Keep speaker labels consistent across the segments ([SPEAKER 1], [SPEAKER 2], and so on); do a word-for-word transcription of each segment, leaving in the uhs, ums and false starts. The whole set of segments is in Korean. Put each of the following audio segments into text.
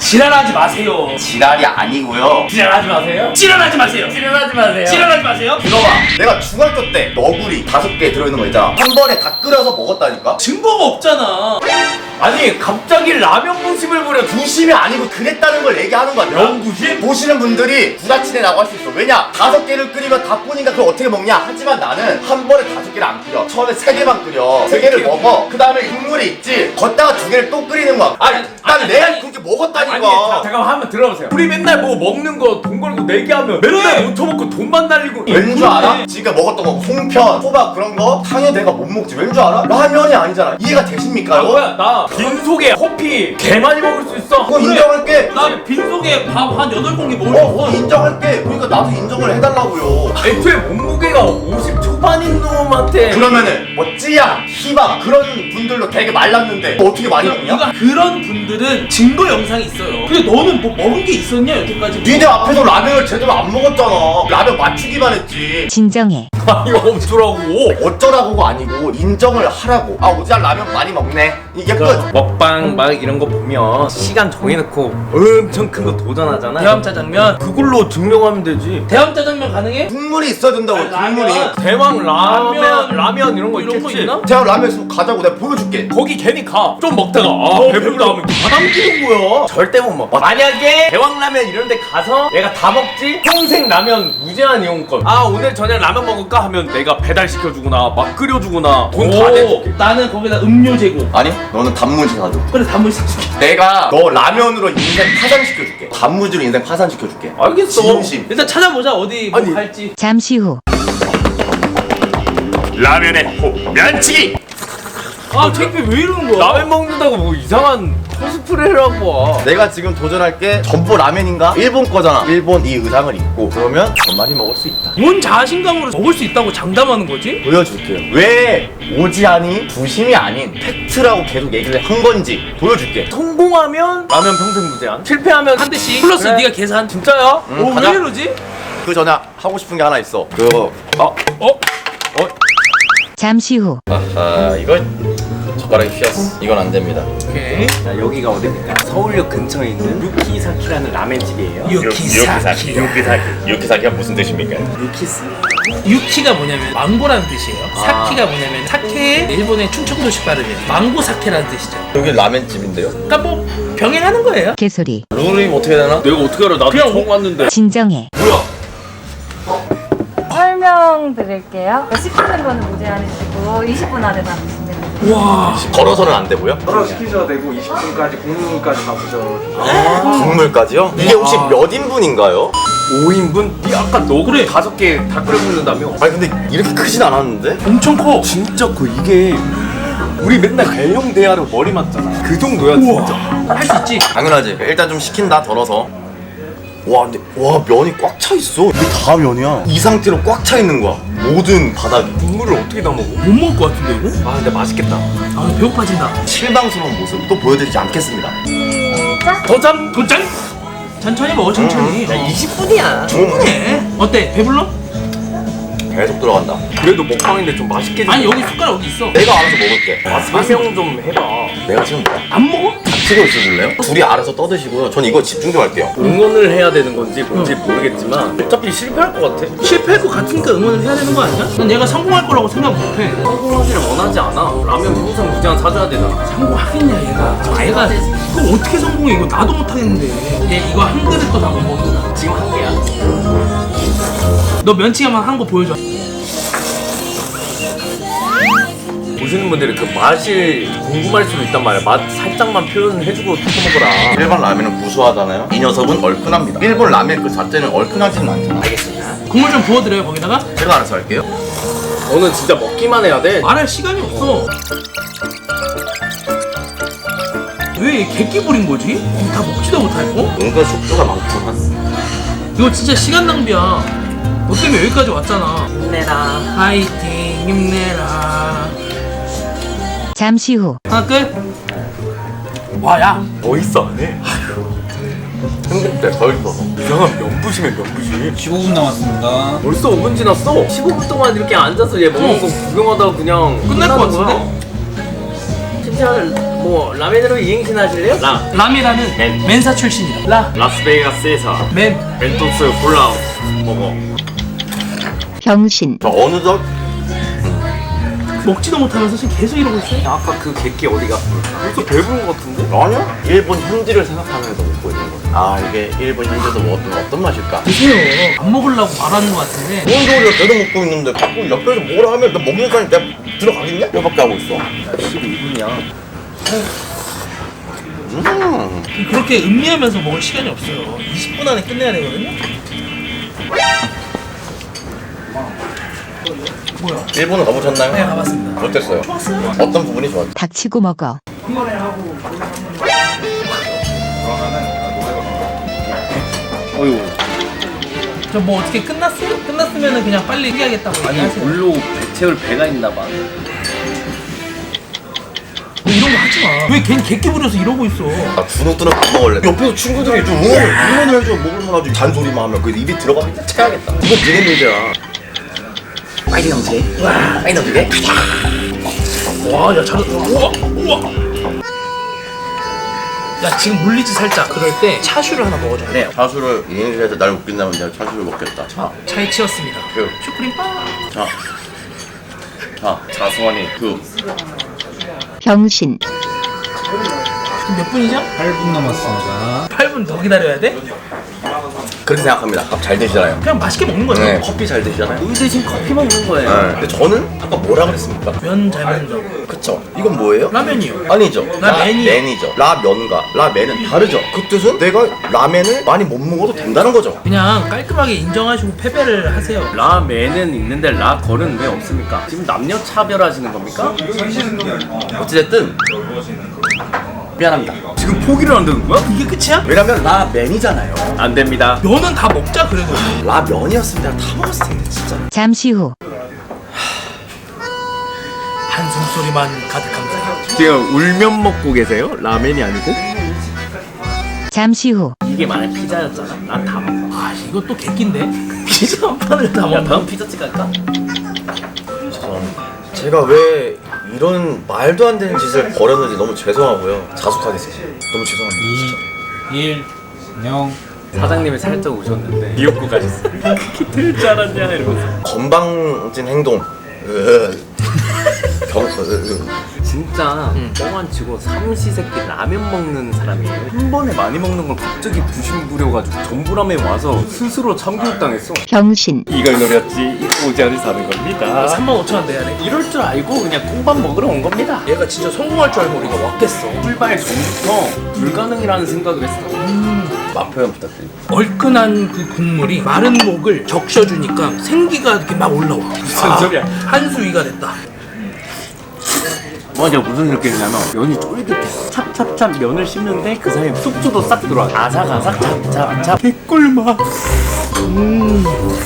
[SPEAKER 1] 지랄하지 마세요.
[SPEAKER 2] 지랄이 아니고요.
[SPEAKER 1] 지랄하지 마세요. 지랄하지 마세요.
[SPEAKER 3] 지랄하지 마세요.
[SPEAKER 1] 지랄하지 마세요.
[SPEAKER 2] 들어봐. 내가 중학교 때 너구리 다섯 개 들어있는 거 있잖아. 한 번에 다 끓여서 먹었다니까.
[SPEAKER 1] 증거가 없잖아.
[SPEAKER 3] 아니 갑자기 라면 부심을 부려.
[SPEAKER 2] 부심이 아니고 그랬다는 걸 얘기하는 거야.
[SPEAKER 3] 명부심?
[SPEAKER 2] 보시는 분들이 부다치네라고 할 수 있어. 왜냐? 다섯 개를 끓이면 다 뿌니까 그걸 어떻게 먹냐? 하지만 나는 한 번에 다섯 개를 안 끓여. 처음에 세 개만 끓여. 세 개를 먹어. 그 다음에 국물이 있지. 걷다가 두 개를 또 끓이는 거야. 아니, 난
[SPEAKER 3] 아니,
[SPEAKER 2] 내가
[SPEAKER 3] 아니,
[SPEAKER 2] 그렇게 먹었다니까.
[SPEAKER 3] 아니 자, 잠깐만 한번 들어보세요. 우리 맨날 뭐 먹는 거 돈 걸고 내기하면 맨날 못 처먹고 돈만 날리고.
[SPEAKER 2] 왠 줄 알아? 지금 먹었던 거 송편, 호박 그런 거 당연히 내가 못 먹지. 왠 줄 알아? 라면이 아니잖아. 이해가 되십니까?
[SPEAKER 3] 아
[SPEAKER 2] 이거?
[SPEAKER 3] 뭐야 나 빈속에 커피 개 많이 먹을 수 있어.
[SPEAKER 2] 그거 인정할게.
[SPEAKER 1] 나 빈속에 밥 한 여덟 공기 먹을
[SPEAKER 2] 어,
[SPEAKER 1] 수
[SPEAKER 2] 어,
[SPEAKER 1] 있어.
[SPEAKER 2] 인정할게. 그러니까 나도 인정을 해달라고요.
[SPEAKER 3] 애초에 몸무게가 오십 초반인 놈한테
[SPEAKER 2] 그러면은 뭐 찌양, 희박 그런 분들로 되게 말랐는데 너 어떻게 많이 먹냐?
[SPEAKER 1] 그러니까 그런 분들은 증거 영상이 있어요. 근데 너는 뭐 먹은 게 있었냐 여태까지?
[SPEAKER 2] 니네 앞에서 라면을 제대로 안 먹었잖아. 라면 맞추기만 했지.
[SPEAKER 4] 진정해.
[SPEAKER 3] 아니 어쩌라고.
[SPEAKER 2] 어쩌라고가 아니고 인정을 하라고. 아 오지랖 라면 많이 먹네. 이게 끝.
[SPEAKER 3] 먹방 막 이런 거 보면 시간 정해놓고 엄청 큰 거 도전하잖아.
[SPEAKER 1] 대왕짜장면.
[SPEAKER 3] 그걸로 증명하면 되지.
[SPEAKER 1] 대왕짜장면 가능해?
[SPEAKER 2] 국물이 있어야 된다고.
[SPEAKER 1] 아,
[SPEAKER 2] 국물이.
[SPEAKER 1] 라면.
[SPEAKER 3] 대왕 라면
[SPEAKER 1] 라면,
[SPEAKER 3] 라면 이런 거
[SPEAKER 1] 이런 거
[SPEAKER 3] 있겠지.
[SPEAKER 1] 있나?
[SPEAKER 2] 제가 라면 있으면 가자고 내가 보여줄게.
[SPEAKER 3] 거기 괜히 가. 좀 먹다가 아 배부르다 하면 다 남기는 거야. 절대 못 먹어. 만약에 대왕라면 이런 데 가서 내가 다 먹지? 평생 라면 무제한 이용권. 아 오늘 저녁 라면 먹을까 하면 내가 배달시켜주거나 막 끓여주거나 돈 다
[SPEAKER 1] 오,
[SPEAKER 3] 내줄게.
[SPEAKER 1] 나는 거기다 음료 제공.
[SPEAKER 2] 아니 너는 단무지 사줘.
[SPEAKER 1] 그래 단무지 사줄게.
[SPEAKER 2] 내가 너 라면으로 인생 파산시켜줄게. 단무지로 인생 파산시켜줄게.
[SPEAKER 3] 알겠어.
[SPEAKER 2] 진심.
[SPEAKER 1] 일단 찾아보자 어디 뭐
[SPEAKER 3] 아니.
[SPEAKER 1] 갈지.
[SPEAKER 4] 잠시 후.
[SPEAKER 2] 라면의 호 면치기.
[SPEAKER 1] 아 창피 왜 이러는 거야?
[SPEAKER 3] 라면 먹는다고 뭐 이상한 코스프레를 하고 와.
[SPEAKER 2] 내가 지금 도전할 게 전부 라면인가? 일본 거잖아. 일본 이 의상을 입고 그러면 더 많이 먹을 수 있다.
[SPEAKER 1] 뭔 자신감으로 먹을 수 있다고 장담하는 거지?
[SPEAKER 2] 보여줄게요. 왜 오지안이 부심이 아닌 팩트라고 계속 얘기를 한 건지 보여줄게.
[SPEAKER 3] 성공하면 라면 평생 무제한. 실패하면
[SPEAKER 1] 한 대씩 플러스
[SPEAKER 3] 그래.
[SPEAKER 1] 네가 계산.
[SPEAKER 3] 진짜야?
[SPEAKER 2] 응,
[SPEAKER 1] 오,
[SPEAKER 2] 가자.
[SPEAKER 1] 왜 이러지?
[SPEAKER 2] 그 전에 하고 싶은 게 하나 있어. 그거 어?
[SPEAKER 1] 어?
[SPEAKER 2] 어?
[SPEAKER 4] 잠시 후.
[SPEAKER 2] 아하 이거 젓가락이 휘었어. 이건 안 됩니다.
[SPEAKER 1] 오케이.
[SPEAKER 3] 자, 여기가 어디입니까? 서울역 근처에 있는 유키사키라는 라멘집이에요.
[SPEAKER 1] 유키사키.
[SPEAKER 2] 유키사키. 유키사키가 무슨 뜻입니까?
[SPEAKER 3] 유키스.
[SPEAKER 1] 유키가 뭐냐면 망고라는 뜻이에요.
[SPEAKER 3] 아.
[SPEAKER 1] 사키가 뭐냐면 사케의 일본의 충청도식 발음이에요. 망고 사케라는 뜻이죠.
[SPEAKER 2] 여기 라면집인데요?
[SPEAKER 1] 그러니까 뭐 병행하는 거예요.
[SPEAKER 4] 개소리.
[SPEAKER 2] 룰이 어떻게 되나?
[SPEAKER 3] 내가 어떻게 알아? 나도
[SPEAKER 1] 그냥
[SPEAKER 3] 처음 왔는데.
[SPEAKER 4] 진정해.
[SPEAKER 3] 뭐야?
[SPEAKER 5] 설명드릴게요. 시키는 거는 무제한이시고 이십 분 안에 다 드시면 됩니다.
[SPEAKER 1] 와.
[SPEAKER 2] 걸어서는 안 되고요?
[SPEAKER 6] 따로 시키셔도 되고 이십 분까지 국물까지 가보셔도
[SPEAKER 2] 국물까지요? 이게 혹시 몇 인분인가요?
[SPEAKER 3] 오 인분? 니 아까 너 그래 다섯 개 다 끓여 먹는다며?
[SPEAKER 2] 아니 근데 이렇게 크진 않았는데?
[SPEAKER 1] 엄청 커.
[SPEAKER 3] 진짜 커. 이게 우리 맨날 대형 대하로 머리 맞잖아. 그 정도야 진짜.
[SPEAKER 1] 할 수 있지.
[SPEAKER 2] 당연하지. 일단 좀 식힌다 덜어서. 와 근데 와 면이 꽉 차 있어. 이게 다 면이야. 이 상태로 꽉 차 있는 거야. 모든 바닥이.
[SPEAKER 3] 국물을 어떻게 다 먹어?
[SPEAKER 1] 못 먹을 것 같은데 이거?
[SPEAKER 3] 아 근데 맛있겠다.
[SPEAKER 1] 아 배고파진다.
[SPEAKER 2] 실망스러운 모습 또 보여드리지 않겠습니다.
[SPEAKER 5] 시작!
[SPEAKER 1] 도전 도전. 천천히 먹어 천천히.
[SPEAKER 3] 야 이십 분이야.
[SPEAKER 1] 충분해. 어때? 배불러?
[SPEAKER 2] 계속 들어간다.
[SPEAKER 3] 그래도 먹방인데 좀 맛있게 좀.
[SPEAKER 1] 아니 여기 숟가락 어디 있어?
[SPEAKER 2] 내가 알아서 먹을게.
[SPEAKER 3] 아, 설명 좀 해봐.
[SPEAKER 2] 내가 지금 뭐야?
[SPEAKER 1] 안 먹어?
[SPEAKER 2] 같이 있을래요? 둘이 알아서 떠드시고요. 전 이거 집중 좀 할게요.
[SPEAKER 3] 응원을 해야 되는 건지 뭔지 모르겠지만 어차피 실패할 것 같아.
[SPEAKER 1] 실패할 것 같으니까 응원을 해야 되는 거 아니야? 난 얘가 성공할 거라고 생각 못해.
[SPEAKER 3] 성공하기를 원하지 않아. 라면 평생 무제한 사줘야 되잖아.
[SPEAKER 1] 성공하겠냐 얘가. 저 애가 그거 어떻게 성공해? 이거 나도 못하겠는데. 얘 이거 한 그릇도 다 못 먹는다.
[SPEAKER 3] 지금 한 개야.
[SPEAKER 1] 너 면치기만 한 거 보여줘.
[SPEAKER 3] 보시는 분들이 그 맛이 궁금할 수도 있단 말이야. 맛 살짝만 표현해주고 쳐먹어라.
[SPEAKER 2] 일반 라면은 구수하잖아요. 이 녀석은 얼큰합니다. 일본 라면 그 자체는 얼큰하지는 않잖아. 알겠습니다.
[SPEAKER 1] 국물 좀 부어드려요 거기다가.
[SPEAKER 2] 제가 알아서 할게요.
[SPEAKER 3] 너는 진짜 먹기만 해야 돼.
[SPEAKER 1] 말할 시간이 없어. 왜 객기 부린 거지? 이거 다 먹지도 못할 거?
[SPEAKER 2] 뭔가 숙주가 많구만.
[SPEAKER 1] 이거 진짜 시간 낭비야. 너 때문에 여기까지 왔잖아. 힘내라. 파이팅 힘내라.
[SPEAKER 4] 잠시 후.
[SPEAKER 1] 하나 끝. 와 야.
[SPEAKER 3] 멋있어 안 해?
[SPEAKER 2] 힘들 때더 있어서.
[SPEAKER 3] 이상한 면부심에 면부심.
[SPEAKER 6] 십오 분 남았습니다.
[SPEAKER 3] 벌써 오 분 지났어. 십오 분 동안 이렇게 앉아서 얘 먹는 거 구경하다가 그냥
[SPEAKER 1] 끝날 것
[SPEAKER 3] 끝나는 거야.
[SPEAKER 1] 같은데?
[SPEAKER 3] 십오 시절 뭐 라멘으로 이행신 하실래요? 라
[SPEAKER 1] 라미라는
[SPEAKER 3] 맨.
[SPEAKER 1] 맨사 출신이다. 라,
[SPEAKER 3] 라스베이거스에서
[SPEAKER 1] 맨.
[SPEAKER 3] 멘토스 콜라 먹어.
[SPEAKER 4] 병신,
[SPEAKER 2] 저 어느덧
[SPEAKER 1] 먹지도 못하면서 지금 계속 이러고 있어요.
[SPEAKER 3] 아까 그 객기 어디 갔습니까? 벌써 배부른 것 같은데?
[SPEAKER 2] 아니야? 일본 현지를 생각하면서 먹고 있는 거야. 아 이게 일본 현지에서 뭐 어떤, 어떤 맛일까?
[SPEAKER 1] 드세요. 안 먹으려고 말하는 것 같은데.
[SPEAKER 2] 뭔 소리야 계속 먹고 있는데 자꾸 옆에서 뭐라 하면 나 먹는 사람이 내가 들어가겠냐? 이거밖에 하고 있어.
[SPEAKER 3] 십이 분이야.
[SPEAKER 2] 음.
[SPEAKER 1] 그렇게 음미하면서 먹을 시간이 없어요. 이십 분 안에 끝내야 되거든요. 뭐야?
[SPEAKER 2] 일본은 가보셨나요?
[SPEAKER 1] 네, 가봤습니다.
[SPEAKER 2] 어땠어요?
[SPEAKER 1] 좋았어요.
[SPEAKER 2] 어떤 부분이 좋았죠?
[SPEAKER 4] 닥치고 먹어.
[SPEAKER 3] 어휴.
[SPEAKER 1] 저 뭐 어떻게 끝났어요? 끝났으면은 그냥 빨리 얘기하겠다고
[SPEAKER 3] 아니
[SPEAKER 1] 얘기하세요.
[SPEAKER 3] 물로 배 채울 배가 있나 봐.
[SPEAKER 1] 뭐 이런 거 하지 마. 왜 괜히 객기 부려서 이러고 있어?
[SPEAKER 2] 아 주눅드는 밥 먹을래. 옆에서 친구들이 좀 응원, 응원을 해줘. 먹을만 하지. 잔소리만 하면 그 입이 들어가면 체하겠다. 이건 니네 문제야. 빨리 넘치게. 와, 빨리 넘치게.
[SPEAKER 1] 와, 야 잘했다. 우와, 우와. 야 지금 물리지 살짝. 그럴 때 차슈를 하나 먹어줘야 돼.
[SPEAKER 2] 차수를 이행시해서 날 웃긴다면 내가 차수를 먹겠다. 자,
[SPEAKER 1] 차에 치였습니다.
[SPEAKER 2] 그,
[SPEAKER 1] 슈크림 빵.
[SPEAKER 2] 자, 자, 자수원이 그.
[SPEAKER 4] 병신,
[SPEAKER 1] 지금 몇 분이죠?
[SPEAKER 6] 팔 분 남았습니다.
[SPEAKER 1] 팔 분 더 기다려야 돼?
[SPEAKER 2] 그렇게 생각합니다. 밥 잘 드시잖아요.
[SPEAKER 1] 그냥 맛있게 먹는 거죠.
[SPEAKER 2] 네, 커피 잘 드시잖아요.
[SPEAKER 3] 물 대신 커피 먹는 거예요.
[SPEAKER 2] 네. 근데 저는 아까 뭐라 그랬습니까?
[SPEAKER 1] 면 잘 먹는다고.
[SPEAKER 2] 그쵸? 이건 뭐예요?
[SPEAKER 1] 라면이요.
[SPEAKER 2] 아니죠.
[SPEAKER 1] 라멘이요.
[SPEAKER 2] 라멘이죠. 라면과 라멘은 다르죠. 그 뜻은 내가 라멘을 많이 못 먹어도 된다는 거죠.
[SPEAKER 1] 그냥 깔끔하게 인정하시고 패배를 하세요.
[SPEAKER 3] 라멘은 있는데 라걸은 왜 없습니까? 지금 남녀 차별하시는 겁니까?
[SPEAKER 2] 어찌됐든 미안합니다.
[SPEAKER 3] 지금 포기를 한다는 거야?
[SPEAKER 1] 이게 끝이야?
[SPEAKER 2] 왜냐면 라멘이잖아요.
[SPEAKER 3] 안 됩니다.
[SPEAKER 1] 면은 다 먹자 그래도.
[SPEAKER 2] 라면이었으면 내가 다 먹었을 텐데 진짜.
[SPEAKER 4] 잠시 후,
[SPEAKER 1] 한숨 소리만 가득합니다.
[SPEAKER 3] 지금 울면 먹고 계세요? 라멘이 아니고?
[SPEAKER 4] 잠시 후,
[SPEAKER 3] 이게 만약 피자였잖아. 난 다 먹어.
[SPEAKER 1] 아 이것도 객기인데? 피자 한 판을 다
[SPEAKER 3] 야
[SPEAKER 1] 먹어.
[SPEAKER 3] 다음 피자집 갈까?
[SPEAKER 2] 죄송합니다. 제가 왜 이런 말도 안 되는 짓을 벌였는지 너무 죄송하고요. 자숙하겠습니다. 너무 죄송합니다. 진짜.
[SPEAKER 6] 이, 일, 영.
[SPEAKER 3] 사장님이 살짝 오셨는데 미역국 가셨어요. 그렇게 될 줄 알았냐 이러면서.
[SPEAKER 2] 건방진 행동. 으, 경, 으, 으.
[SPEAKER 3] 진짜 뻥안 치고 삼시세끼 라면 먹는 사람이에요. 한 번에 많이 먹는 걸 갑자기 부심 부려가지고 전부라면 와서 스스로 참교육당했어.
[SPEAKER 4] 병신,
[SPEAKER 3] 이걸 노렸지 오지안이 사는 겁니다.
[SPEAKER 1] 삼만 오천 원 내야 돼.
[SPEAKER 3] 이럴 줄 알고 그냥 콩밥 먹으러 온 겁니다.
[SPEAKER 1] 얘가 진짜 성공할 줄 알고 우리가 왔겠어.
[SPEAKER 3] 출발 전부터 불가능이라는 생각을 했어.
[SPEAKER 2] 맛 표현 부탁드립니다.
[SPEAKER 1] 얼큰한 그 국물이 마른 목을 적셔주니까 생기가 이렇게 막 올라와.
[SPEAKER 3] 무슨 소리야?
[SPEAKER 1] 한수위가 됐다.
[SPEAKER 3] 맞아, 무슨 느낌이냐면 면이 쫄깃해. 찹찹찹 면을 씹는데 그 사이에 숙주도 싹 들어와. 아삭아삭 찹찹찹 개꿀맛. 음.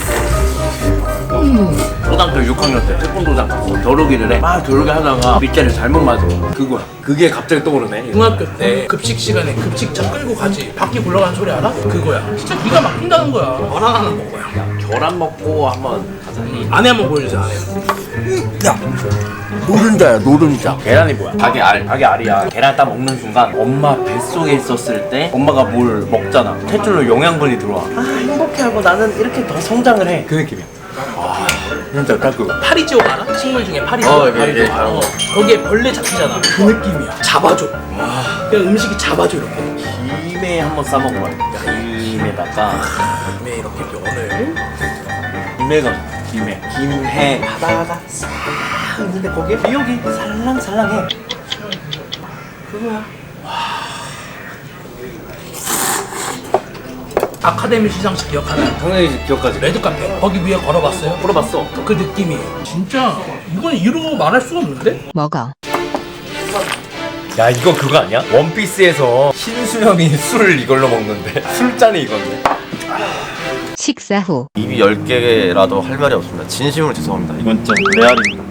[SPEAKER 3] 초등학교 육 학년 때 태권도장 가서 겨루기를 해. 막 겨루기 하다가 밑자리를 잘못 맞아. 그거야. 그게 갑자기 떠오르네.
[SPEAKER 1] 중학교 때 급식 시간에 급식차 끌고 가지. 바퀴 굴러가는 소리 알아? 그거야. 진짜 기가 막힌다는 거야. 계란 하나 먹어야.
[SPEAKER 3] 계란 먹고 한번 가자.
[SPEAKER 1] 안에 한번 보여주자. 안에.
[SPEAKER 3] 야, 노른자야 노른자. 계란이 뭐야? 닭의 알. 닭의 알이야. 계란 딱 먹는 순간 엄마 뱃속에 있었을 때 엄마가 뭘 먹잖아. 탯줄로 영양분이 들어와. 아 행복해하고 나는 이렇게 더 성장을 해. 그 느낌이야. 와, 진짜 딱 그거.
[SPEAKER 1] 파리지옥 알아? 식물 중에 파리지옥.
[SPEAKER 2] 어, 예, 예,
[SPEAKER 1] 어, 거기에 벌레 잡히잖아. 그 느낌이야. 잡아줘. 그냥 음식이 잡아줘 이렇게.
[SPEAKER 3] 김에 한번 싸 먹어봐. 김에다가
[SPEAKER 1] 김에 이렇게 면을.
[SPEAKER 3] 김에가 김에 김해 바다가 싹 있는데 거기에 미역이 살랑살랑해. 그거야.
[SPEAKER 1] 아카데미 시상식 기억하나요?
[SPEAKER 3] 당연히 기억하지.
[SPEAKER 1] 레드카페 거기 위에 걸어봤어요?
[SPEAKER 3] 물어봤어.
[SPEAKER 1] 그 느낌이 진짜 이건 이루고 말할 수가 없는데?
[SPEAKER 4] 먹어.
[SPEAKER 3] 야 이거 그거 아니야? 원피스에서 신수영이 술을 이걸로 먹는데 술잔이 이건데.
[SPEAKER 4] 식사 후,
[SPEAKER 2] 입이 열 개라도 할 말이 없습니다. 진심으로 죄송합니다. 이건 좀 레알입니다.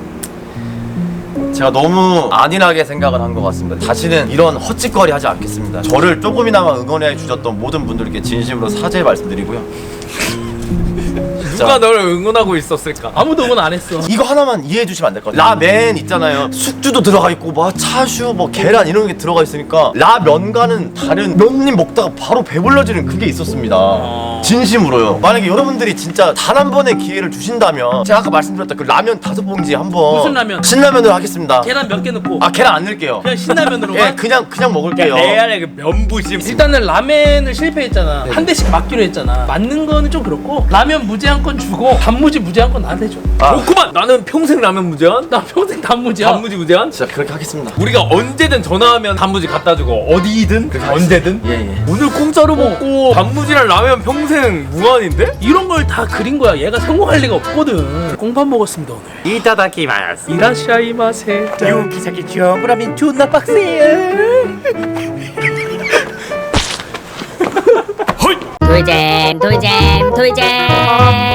[SPEAKER 2] 제가 너무 안일하게 생각을 한 것 같습니다. 다시는 이런 헛짓거리 하지 않겠습니다. 저를 조금이나마 응원해 주셨던 모든 분들께 진심으로 사죄 말씀드리고요.
[SPEAKER 3] 누가 널 응원하고 있었을까?
[SPEAKER 1] 아무도 응원 안 했어.
[SPEAKER 2] 이거 하나만 이해해 주시면 안 될까요? 라멘 있잖아요. 숙주도 들어가 있고 뭐 차슈 뭐 계란 이런 게 들어가 있으니까 라면과는 다른 면님 먹다가 바로 배불러지는 그게 있었습니다. 진심으로요. 만약에 여러분들이 진짜 단 한 번의 기회를 주신다면 제가 아까 말씀드렸던 그 라면 다섯 봉지 한번
[SPEAKER 1] 무슨 라면?
[SPEAKER 2] 신라면으로 하겠습니다.
[SPEAKER 1] 계란 몇 개 넣고.
[SPEAKER 2] 아 계란 안 넣을게요.
[SPEAKER 1] 그냥 신라면으로만.
[SPEAKER 2] 예, 그냥 그냥 먹을게요.
[SPEAKER 3] 레알의 그 면부심.
[SPEAKER 1] 일단은 라멘을 실패했잖아. 한 대씩 맞기로 했잖아. 맞는 거는 좀 그렇고 라면 무제한권 주고 단무지 무제한권 나한테 줘.
[SPEAKER 2] 아.
[SPEAKER 3] 좋구만. 나는 평생 라면 무제한.
[SPEAKER 1] 나 평생 단무지야.
[SPEAKER 3] 단무지 무제한.
[SPEAKER 2] 진짜 그렇게 하겠습니다.
[SPEAKER 3] 우리가 언제든 전화하면 단무지 갖다 주고 어디든 언제든.
[SPEAKER 2] 예 예.
[SPEAKER 3] 오늘 공짜로 먹고 단무지랑 라면 평생 무한인데?
[SPEAKER 1] 이런 걸 다 그린 거야. 얘가 성공할 리가 없거든. 공밥 먹었습니다 오늘.
[SPEAKER 3] 이타다키마스.
[SPEAKER 1] 이라시아이마세.
[SPEAKER 3] 유기사기 주어라면 존나 빡세.
[SPEAKER 7] 돌잼 돌잼 돌잼